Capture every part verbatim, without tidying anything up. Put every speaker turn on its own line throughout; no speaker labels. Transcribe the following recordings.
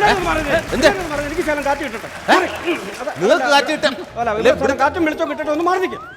എനിക്ക് ശകലം കാറ്റ് കിട്ടട്ടെ.
നിങ്ങൾക്ക് കാറ്റ് കിട്ടും.
കാറ്റും വെളിച്ചം കിട്ടട്ടെ. ഒന്ന് മാറി നിൽക്കും.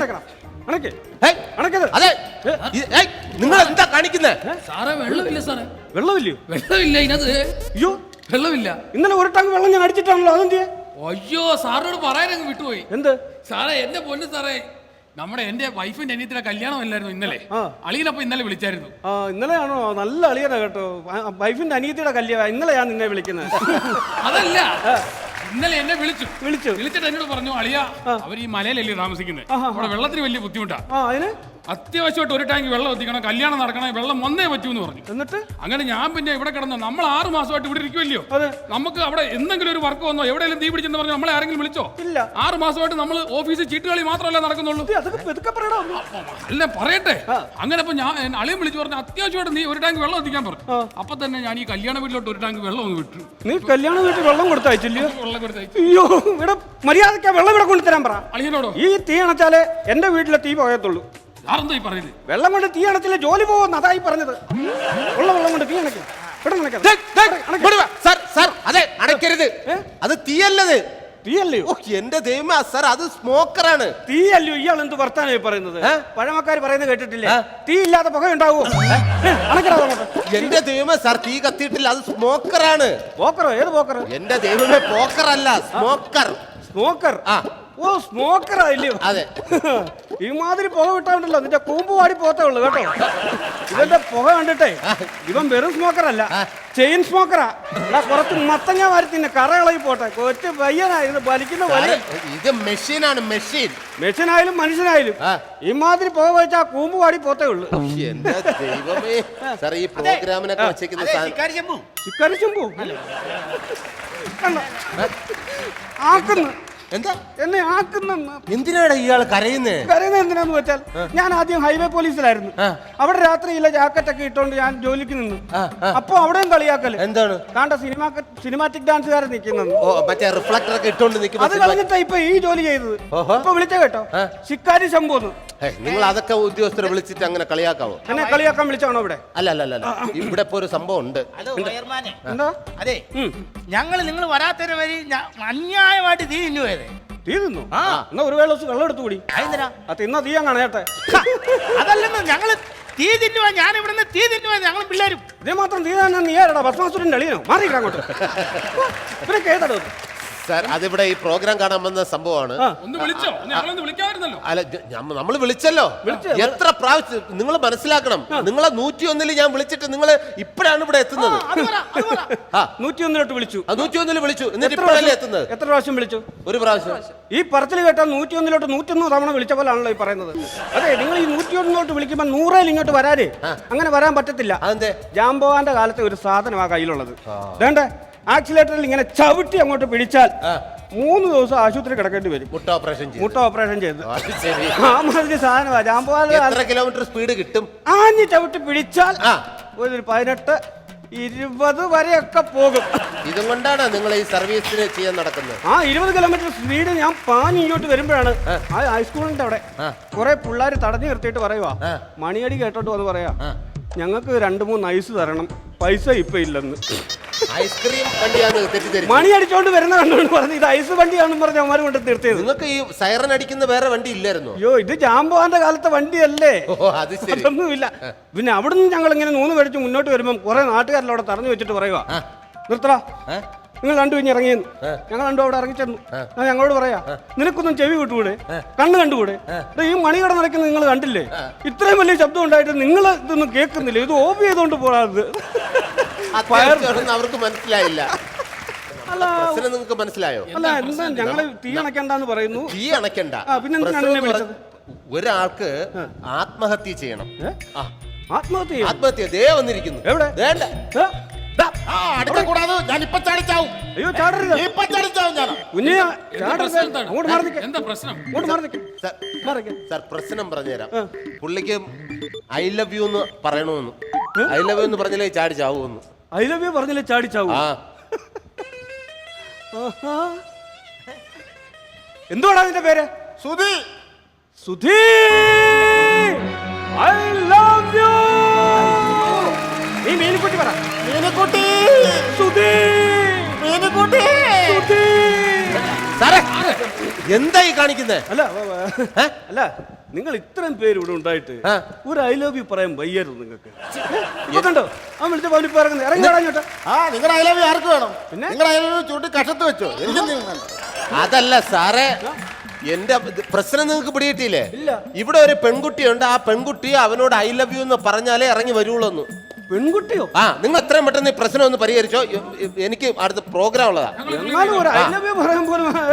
അതെ, നിങ്ങൾ എന്താ കാണിക്കുന്നത്?
സാറേ വെള്ളമില്ല സാറേ.
വെള്ളമില്ലയോ?
വെള്ളമില്ല ഇതിനകത്ത്.
അയ്യോ
വെള്ളമില്ല.
ഇന്നലെ ഒരു ടാങ്ക് വെള്ളം ഞാൻ അടിച്ചിട്ടാണല്ലോ. അതെന്ത്?
അയ്യോ സാറിനോട് പറയാനങ്ങ് വിട്ടുപോയി.
എന്ത്
സാറേ? എന്റെ പൊന്ന് സാറേ, നമ്മുടെ എന്റെ വൈഫിന്റെ അനിയത്തിയുടെ കല്യാണം അല്ലായിരുന്നു ഇന്നലെ. അളിയനപ്പൊ ഇന്നലെ വിളിച്ചായിരുന്നു.
ആ ഇന്നലെയാണോ? നല്ല അളിയനാ കേട്ടോ. വൈഫിന്റെ അനിയത്തിയുടെ കല്യാണം ഇന്നലെ ഞാൻ നിന്നെ വിളിക്കുന്നത്.
അതല്ല, ഇന്നലെ എന്നെ വിളിച്ചു
വിളിച്ചു
വിളിച്ചിട്ട് എന്നോട് പറഞ്ഞു, അളിയ അവർ ഈ മലയിലല്ലേ താമസിക്കുന്നത്, അവിടെ വെള്ളത്തിന് വലിയ ബുദ്ധിമുട്ടാ,
അതിന്
അത്യാവശ്യമായിട്ട് ഒരു ടാങ്ക് വെള്ളം എത്തിക്കണം, കല്യാണം നടക്കണം, വെള്ളം വന്നേ പറ്റൂ എന്ന് പറഞ്ഞു.
എന്നിട്ട്
അങ്ങനെ ഞാൻ പിന്നെ ഇവിടെ കിടന്നു. നമ്മൾ ആറ് മാസമായിട്ട് ഇവിടെ ഇരിക്കുമല്ലോ, നമുക്ക് അവിടെ എന്തെങ്കിലും ഒരു വർക്ക് വന്നോ, എവിടെയെങ്കിലും തീ പിടിച്ചെന്ന് പറഞ്ഞു നമ്മളെ ആരെങ്കിലും വിളിച്ചോ?
ഇല്ല.
ആറ് മാസമായിട്ട് നമ്മൾ ഓഫീസിൽ ചീട്ടുകളി മാത്രമല്ല നടക്കുന്നുള്ളൂ. അല്ല പറയട്ടെ. അങ്ങനെ ഇപ്പൊ ഞാൻ അളിയും വിളിച്ചു പറഞ്ഞു, അത്യാവശ്യമായിട്ട് നീ ഒരു ടാങ്ക് വെള്ളം എത്തിക്കാൻ പറഞ്ഞു. അപ്പൊ തന്നെ ഞാൻ ഈ കല്യാണ വീട്ടിലോട്ട് ഒരു ടാങ്ക് വെള്ളം ഒന്ന് വിട്ടു.
നീ കല്യാണ വീട്ടിൽ വെള്ളം കൊടുത്തയച്ചില്ലയോ?
വെള്ളം കൊടുത്തയച്ചു.
അയ്യോ ഇവിടെ മര്യാദയ്ക്ക് വെള്ളം ഇവിടെ കൊണ്ടുതരാൻ പറ
അളിയനോടോ.
ഈ തീ അണച്ചാലേ എന്റെ വീട്ടിലെ തീ പോകത്തുള്ളൂ.
പറയുന്നത്
വെള്ളം കൊണ്ട് തീ അണച്ചില്ലേ ജോലി പോകുന്ന, അതായി പറഞ്ഞത്. ഉള്ള വെള്ളം കൊണ്ട് തീ അണയ്ക്കാം.
അതെ, അടയ്ക്കരുത്. അത് തീയല്ലത്.
തീയല്ലയോ?
എന്റെ ദൈവമേ സാർ, അത് സ്മോക്കറാണ്.
തീയല്ലയോ? ഇയാൾ എന്ത് വർത്താനായി പറയുന്നത്? പഴമക്കാർ പറയുന്നത് കേട്ടിട്ടില്ലേ? തീ ഇല്ലാത്ത പുക ഉണ്ടാവോ?
എന്റെ ദൈവമേ സാർ, തീ കത്തിയിട്ടില്ല, അത് സ്മോക്കറാണ്.
പോക്കറോ? ഏത് പോക്കർ?
എന്റെ ദൈവമേ, പോക്കർ അല്ല, സ്മോക്കർ.
സ്മോക്കർ? ആ ഓ സ്മോക്കറാ ഇല്ലയോ? അതെ. ഈ മാതിരി പുക വിട്ടാണ്ടല്ലോ നിന്റെ കൂമ്പ് വാടി പോത്തേ ഉള്ളു കേട്ടോ. ഇവന്റെ പുക കണ്ടിട്ടേ ഇവൻ വെറും സ്മോക്കർ അല്ല, ചെയിൻ സ്മോക്കറാ. കുറച്ച് മത്തങ്ങ വാരി തിന്നെ കറകളി പോട്ടെ. കൊച്ചു പയ്യനായിരുന്നു വലിക്കുന്ന വലിയ.
ഇത് മെഷീനാണ്, മെഷീൻ.
മെഷീനായാലും മനുഷ്യനായാലും ഇമാതിരി പുക വെച്ചാ കൂമ്പ് വാടി പോത്തേ ഉള്ളു.
എന്റെ ദൈവമേ സാർ, ഈ പ്രോഗ്രാമിനൊക്കെ വെച്ചേക്കുന്ന
ചിക്കരി ചെമ്പു ആക്കുന്നു.
എന്താ
എന്നെ ആക്കുന്ന?
എന്തിനാണ് ഇയാൾ കരയുന്നത്?
കരയുന്നത് എന്തിനാന്ന് വെച്ചാൽ, ഞാൻ ആദ്യം ഹൈവേ പോലീസിലായിരുന്നു. അവിടെ രാത്രിയില്ല ജാക്കറ്റ് ഒക്കെ ഇട്ടോണ്ട് ഞാൻ ജോലിക്ക് നിന്നു. അപ്പൊ അവിടെയും കളിയാക്കല്. എന്താണ്? താണ്ട സിനിമ സിനിമാറ്റിക് ഡാൻസുകാരൻ നിൽക്കുന്നത്.
മറ്റേ റിഫ്ലക്ടർ ഒക്കെ ഇട്ടോണ്ട് നിൽക്കുന്നത്.
അത് കളഞ്ഞിട്ടാ ഇപ്പൊ ഈ ജോലി ചെയ്തത്. ഇപ്പൊ വിളിച്ച കേട്ടോ, ശിക്കാരി ശംഭുന്ന്.
നിങ്ങൾ അതൊക്കെ ഉദ്യോഗസ്ഥരെ വിളിച്ചിട്ട് അങ്ങനെ കളിയാക്കാവോ?
എന്നെ കളിയാക്കാൻ വിളിച്ചാണോ ഇവിടെ?
അല്ല അല്ല അല്ല, ഇവിടെ ഇപ്പൊ ഒരു സംഭവം ഉണ്ട്.
എന്താ?
അതെ, ഞങ്ങൾ നിങ്ങൾ വരാത്തതിന് വരി അന്യായമായിട്ട് തീ തിന്നു പോയത്.
തീ തിന്നു? എന്നാ ഒരു വേള വെള്ളം എടുത്തു കൂടി. അത് തിന്നാ തീയാൻ കാണേട്ടെ.
അതല്ലെന്ന്, ഞങ്ങള് തീ തിന്നുവാ. ഞാൻ ഇവിടുന്ന് തീ തിന്നുവാ, ഞങ്ങൾ പിള്ളേരും.
ഇതേ മാത്രം തീ തന്നെ നീ ആരടാ? ഭസ്മാസുരന്റെ അളിയനോ? മാറിയിട്ടാ അങ്ങോട്ട്. ഇവരൊക്കെ ഏതാടോ?
സാർ, അതിവിടെ ഈ പ്രോഗ്രാം കാണാൻ വന്ന സംഭവമാണ്. അല്ല, നമ്മൾ വിളിച്ചല്ലോ. എത്ര പ്രാവശ്യം നിങ്ങൾ മനസ്സിലാക്കണം. നിങ്ങളെ നൂറ്റി ഒന്നില് ഞാൻ വിളിച്ചിട്ട് നിങ്ങൾ ഇപ്പോഴാണ് ഇവിടെ എത്തുന്നത്.
നൂറ്റി ഒന്നിലോട്ട് വിളിച്ചു.
നൂറ്റി ഒന്നില് വിളിച്ചു, എന്നിട്ട് ഇപ്പോഴല്ലേ എത്തുന്നത്?
എത്ര പ്രാവശ്യം വിളിച്ചു?
ഒരു പ്രാവശ്യം.
ഈ പറച്ചിൽ കേട്ടാൽ നൂറ്റി ഒന്നിലോട്ട് നൂറ്റൊന്ന് തവണ വിളിച്ച പോലാണല്ലോ ഈ പറയുന്നത്. അതെ, നിങ്ങൾ ഈ നൂറ്റി ഒന്നിലോട്ട് വിളിക്കുമ്പോൾ നൂറേൽ ഇങ്ങോട്ട് വരാനേ അങ്ങനെ വരാൻ പറ്റത്തില്ല.
അതെന്തേ?
ജാംബോവാന്റെ കാലത്തെ ഒരു സാധനമാണ് കയ്യിലുള്ളത്. വേണ്ടേ? ആക്സിലേറ്ററിൽ ഇങ്ങനെ ചവിട്ടി അങ്ങോട്ട് പിടിച്ചാൽ മൂന്ന് ദിവസം ആശുപത്രി കിടക്കേണ്ടി വരും. മുട്ട ഓപ്പറേഷൻ മുട്ട ഓപ്പറേഷൻ ചെയ്ത് ആ മാതിരി സാധനമാ ജാംബോവാന്റെ.
കിലോമീറ്റർ സ്പീഡ് കിട്ടും.
ആഞ്ഞ് ചവിട്ടി പിടിച്ചാൽ ഒരു പതിനെട്ട് ഇരുപത് വരെയൊക്കെ പോകും.
ഇതും കൊണ്ടാണ് നിങ്ങൾ ഈ സർവീസിന് ചെയ്യാൻ നടക്കുന്നത്.
ആ ഇരുപത് കിലോമീറ്റർ സ്പീഡ് ഞാൻ പാഞ്ഞ് ഇങ്ങോട്ട് വരുമ്പോഴാണ് ആ ഹൈസ്കൂളിന്റെ അവിടെ കുറെ പിള്ളേർ തടഞ്ഞു നിർത്തിയിട്ട് പറയുവാ, മണിയടി കേട്ടോട്ട് വന്ന് പറയാ, ഞങ്ങൾക്ക് രണ്ടു മൂന്ന് ഐസ് തരണം, പൈസ ഇപ്പൊ ഇല്ലെന്ന്.
ഐസ്ക്രീം വണ്ടിയാണ് തെറ്റിദ്ധരിച്ചത്.
മണി അടിച്ചോണ്ട് വരുന്ന കണ്ടോണ്ട് പറഞ്ഞു ഇത് ഐസ് വണ്ടിയാണെന്ന് പറഞ്ഞ അവന്മാർ കൊണ്ട് നിർത്തിയത്.
നിങ്ങൾക്ക് ഈ സൈറൻ അടിക്കുന്ന വേറെ വണ്ടി ഇല്ലായിരുന്നു?
അയ്യോ, ഇത് ജാംബോവാന്റെ കാലത്തെ വണ്ടിയല്ലേ. അതൊന്നുമില്ല. പിന്നെ അവിടുന്ന് ഞങ്ങൾ ഇങ്ങനെ നൂന്ന് മേടിച്ച് മുന്നോട്ട് വരുമ്പോൾ കുറെ നാട്ടുകാരിലവിടെ തറഞ്ഞു വെച്ചിട്ട് പറയുക, നിർത്തടാ, നിങ്ങൾ രണ്ടു കഴിഞ്ഞ് ഇറങ്ങിയെന്ന്. ഞങ്ങൾ രണ്ടും അവിടെ ഇറങ്ങിച്ചെന്നു. ഞാൻ ഞങ്ങളോട് പറയാ, നിനക്കൊന്നും ചെവി വിട്ടുകൂടെ, കണ്ണ് കണ്ടുകൂടെ? ഈ മണികട നടക്കുന്നത് നിങ്ങൾ കണ്ടില്ലേ? ഇത്രയും വലിയ ശബ്ദം ഉണ്ടായിട്ട് നിങ്ങൾ ഇതൊന്നും കേൾക്കുന്നില്ല. ഇത് ഓഫ് ചെയ്തോണ്ട് പോകാത്.
അവർക്ക് മനസ്സിലായില്ല. നിങ്ങൾക്ക് മനസ്സിലായോ?
അല്ല, എന്താ ഞങ്ങള് തീ അണക്കണ്ടെന്ന് പറയുന്നു.
തീ അണക്കണ്ട.
പിന്നെന്തിനാണ് വിളിച്ചത്?
ഒരാൾക്ക് ആത്മഹത്യ ചെയ്യണം.
ആത്മഹത്യ?
ആത്മഹത്യ ദേ വന്നിരിക്കുന്നു. എവിടെ? വേണ്ട.
അയ്യോ ചാടരുത്.
സാർ, പ്രശ്നം പറഞ്ഞുതരാം. പുള്ളിക്ക് ഐ ലവ് യു എന്ന് പറയണമെന്ന്. ഐ ലവ് യു എന്ന് പറഞ്ഞാലേ ചാടി ചാവുമെന്ന്.
ഐ ലവ് യു പറഞ്ഞാലേ ചാടി ചാവൂ? എന്തുവാണ് അതിന്റെ പേര്?
Sudhi.
Sudhi, I love you. നീ മീനുക്കുട്ടി പറ.
മീനുക്കുട്ടി.
സുധി.
മീനുകൂട്ടി
സാറേ എന്തായി കാണിക്കുന്നേ?
അല്ല വ- വ- അല്ല നിങ്ങൾ ഇത്രയും പേര് ഇവിടെ ഉണ്ടായിട്ട്
ആ.
ഒരു ഐ ലവ് യു പറയാൻ വയ്യായിരുന്നു നിങ്ങൾക്ക്. ഇപ്പൊ കണ്ടോ അവൻ വിളിച്ച പോലെ ഇപ്പൊ ഇറങ്ങുന്നത് ഇറങ്ങി വേടാഞ്ഞോട്ടെ.
ആ നിങ്ങളുടെ അയലവി ആർക്ക് വേണം?
പിന്നെ?
നിങ്ങളുടെ അയലവി ചൂട്ടി കഷത്ത് വെച്ചോ? എനിക്കെന്തെങ്കിലും വേണ്ട.
അതല്ല സാറേ, എന്റെ ഇത് പ്രശ്നം നിങ്ങൾക്ക് പിടികിട്ടിയില്ലേ?
ഇല്ല.
ഇവിടെ ഒരു പെൺകുട്ടിയുണ്ട്. ആ പെൺകുട്ടി അവനോട് ഐ ലവ് യു എന്ന് പറഞ്ഞാലേ ഇറങ്ങി വരുള്ളൂ എന്ന്.
പെൺകുട്ടിയോ?
ആ നിങ്ങൾ എത്രയും പെട്ടെന്ന് ഈ പ്രശ്നം ഒന്ന് പരിഹരിച്ചോ. എ- എ- എനിക്ക് അടുത്ത പ്രോഗ്രാം ഉള്ളതാ.
എന്നാലും ഒരു ഐ ലവ് യു പറയാൻ പോലും